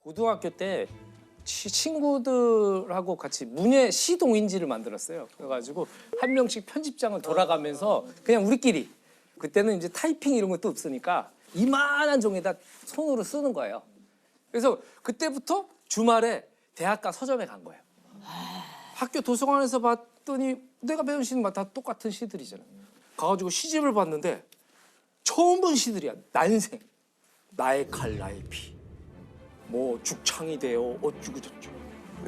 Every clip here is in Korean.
고등학교 때 친구들하고 같이 문예 시동인지를 만들었어요. 그래가지고 한 명씩 편집장을 돌아가면서 그냥 우리끼리 그때는 이제 타이핑 이런 것도 없으니까 이만한 종에다 손으로 쓰는 거예요. 그래서 그때부터 주말에 대학가 서점에 간 거예요. 학교 도서관에서 봤더니 내가 배운 시는 다 똑같은 시들이잖아요. 가가지고 시집을 봤는데 처음 본 시들이야. 난생, 나의 칼, 나의 피, 뭐 죽창이 되어 어쩌고 저쩌고.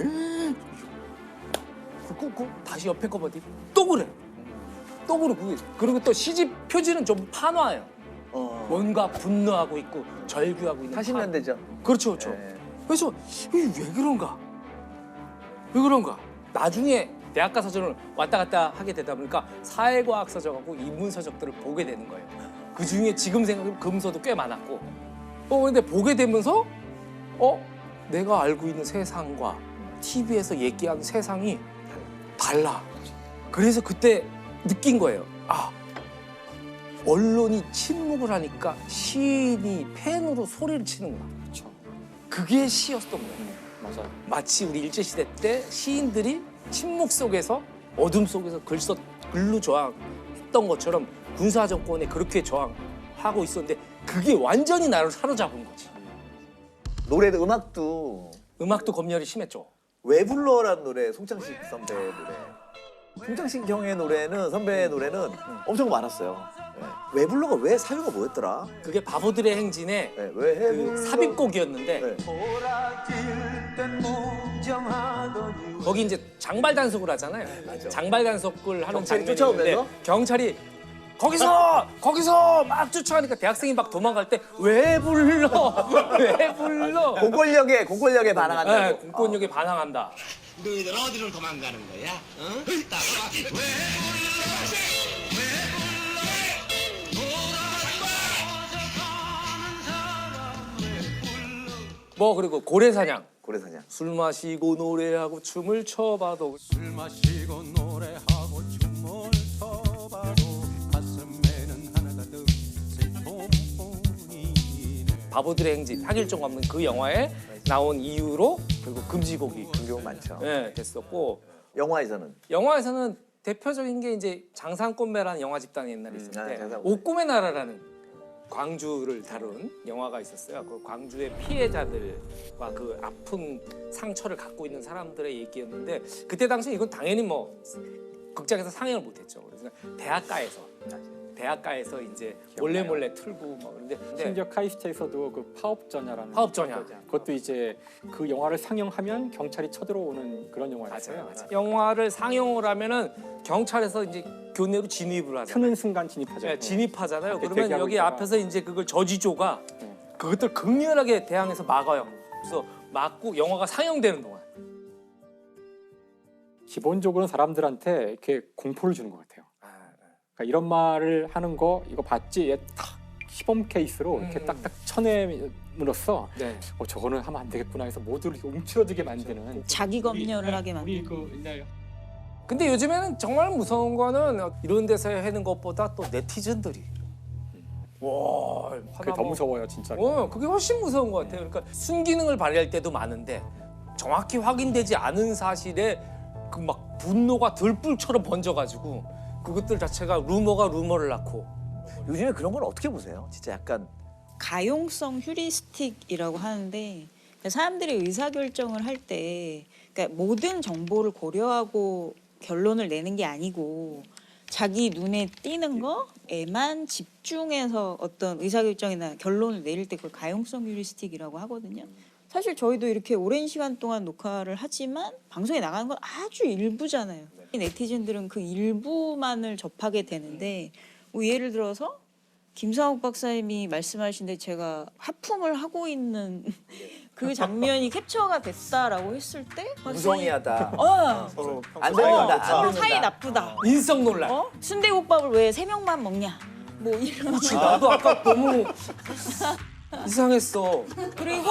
그 다시 옆에 거 보더니 또 그래. 또 그러고 그리고 또 시집 표지는 좀 판화예요. 뭔가 분노하고 있고 절규하고 있는 80년대죠. 그렇죠, 그렇죠. 네. 그래서 이게 왜 그런가? 왜 그런가? 나중에 대학가 서적을 왔다 갔다 하게 되다 보니까 사회과학 서적하고 인문 서적들을 보게 되는 거예요. 그 중에 지금 생각하면 금서도 꽤 많았고. 근데 보게 되면서 내가 알고 있는 세상과 TV에서 얘기하는 세상이 달라. 그래서 그때 느낀 거예요. 아, 언론이 침묵을 하니까 시인이 펜으로 소리를 치는구나. 그렇죠. 그게 시였던 거예요. 맞아요. 마치 우리 일제시대 때 시인들이 침묵 속에서 어둠 속에서 글로 저항했던 것처럼 군사 정권에 그렇게 저항하고 있었는데 그게 완전히 나를 사로잡은 거지. 노래도 음악도 검열이 심했죠. 왜 불러라는 노래, 송창식 선배 노래. 송창식 형의 노래는 선배의 노래는 엄청 많았어요. 네. 왜 불러가 왜 사유가 뭐였더라? 그게 바보들의 행진의 네, 왜 그 삽입곡이었는데 네. 거기 이제 장발 단속을 하잖아요. 맞아. 장발 단속을 하는 경찰이 장면이 쫓아오면서? 있는데 경찰이 거기서 막 쫓아가니까 대학생이 막 도망갈 때 왜 불러? 왜 불러? 공권력에 반항한다고. 네, 공권력에 반항한다. 너희들 어디로 도망가는 거야? 어? 따라와. 왜 불러? 뭐 그리고 고래사냥. 고래사냥. 술 마시고 노래하고 춤을 춰봐도 술 마시고 노래하고 춤을 춰봐도 가슴에는 하나가 더 슬픔뿐이네. 바보들의 행진 하길종 감독 그 영화에 나온 이유로 결국 금지곡이 경우 많죠. 됐었고 영화에서는 대표적인 게 이제 장산꽃매라는 영화 집단이 옛날에 있었는데 장산꽃매. 옥꿈의 나라라는 광주를 다룬 영화가 있었어요. 그 광주의 피해자들과 그 아픈 상처를 갖고 있는 사람들의 얘기였는데 그때 당시 이건 당연히 뭐 극장에서 상영을 못했죠. 그래서 대학가에서 이제 몰래 틀고 뭐 그런데 심지어 카이스트에서도 그 파업전야라는 파업전야. 그것도 이제 그 영화를 상영하면 경찰이 쳐들어오는 그런 영화였어요. 맞아요. 영화를 상영을 하면은 경찰에서 이제 교내로 진입을 하잖아요. 트는 순간 진입하죠. 네, 진입하잖아요. 앞에 그러면 대기하고 여기 있다가. 앞에서 이제 그걸 저지조가 그것들 극렬하게 대항해서 막아요. 그래서 막고 영화가 상영되는 동안 기본적으로 사람들한테 이렇게 공포를 주는 것 같아요. 그러니까 이런 말을 하는 거 이거 봤지? 얘 탁 시범 케이스로 이렇게 딱딱 쳐냄으로써 네. 저거는 하면 안 되겠구나 해서 모두를 이렇게 움츠러들게 만드는 자기 검열을 하게 우리 만드는. 그 옛날 근데 요즘에는 정말 무서운 거는 이런 데서 하는 것보다 또 네티즌들이 와 그게 더 무서워요 진짜로. 그게 훨씬 무서운 것 같아요. 그러니까 순기능을 발휘할 때도 많은데 정확히 확인되지 않은 사실에 그 막 분노가 들불처럼 번져가지고 그것들 자체가 루머를 낳고 요즘에 그런 건 어떻게 보세요? 진짜 약간 가용성 휴리스틱이라고 하는데 사람들이 의사결정을 할 때 그러니까 모든 정보를 고려하고 결론을 내는 게 아니고 자기 눈에 띄는 거에만 집중해서 어떤 의사결정이나 결론을 내릴 때 그걸 가용성 휴리스틱이라고 하거든요. 사실 저희도 이렇게 오랜 시간 동안 녹화를 하지만 방송에 나가는 건 아주 일부잖아요. 네티즌들은 그 일부만을 접하게 되는데 뭐 예를 들어서 김상욱 박사님이 말씀하신데 제가 하품을 하고 있는 그 장면이 캡처가 됐다라고 했을 때 무성의하다. 서로 안 된다. 서로 사이 나쁘다. 인성 논란. 순대국밥을 왜 3명만 먹냐? 뭐 이런. 그렇지, 나도 아까 너무 이상했어. 그리고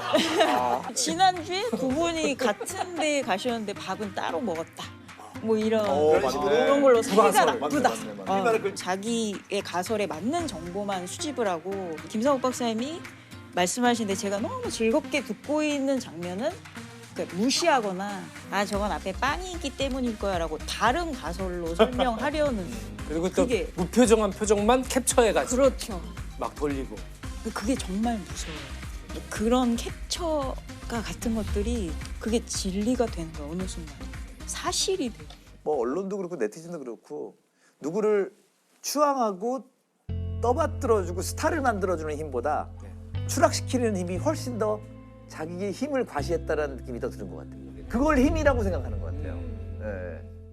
지난주에 두 분이 같은 데에 가셨는데 밥은 따로 먹었다. 뭐 이런 그런 걸로 사이가 나쁘다. 자기의 가설에 맞는 정보만 수집을 하고 김상욱 박사님이 말씀하시는데 제가 너무 즐겁게 듣고 있는 장면은 그러니까 무시하거나 아 저건 앞에 빵이 있기 때문일 거야라고 다른 가설로 설명하려는 그리고 또 그게- 무표정한 표정만 캡처해가지고 그렇죠. 막 돌리고. 그게 정말 무서워요. 그런 캡처가 같은 것들이 그게 진리가 되는 거야 어느 순간 사실이 돼. 뭐 언론도 그렇고 네티즌도 그렇고 누구를 추앙하고 떠받들어주고 스타를 만들어주는 힘보다 추락시키는 힘이 훨씬 더 자기의 힘을 과시했다라는 느낌이 더 드는 것 같아요. 그걸 힘이라고 생각하는 것 같아요. 예.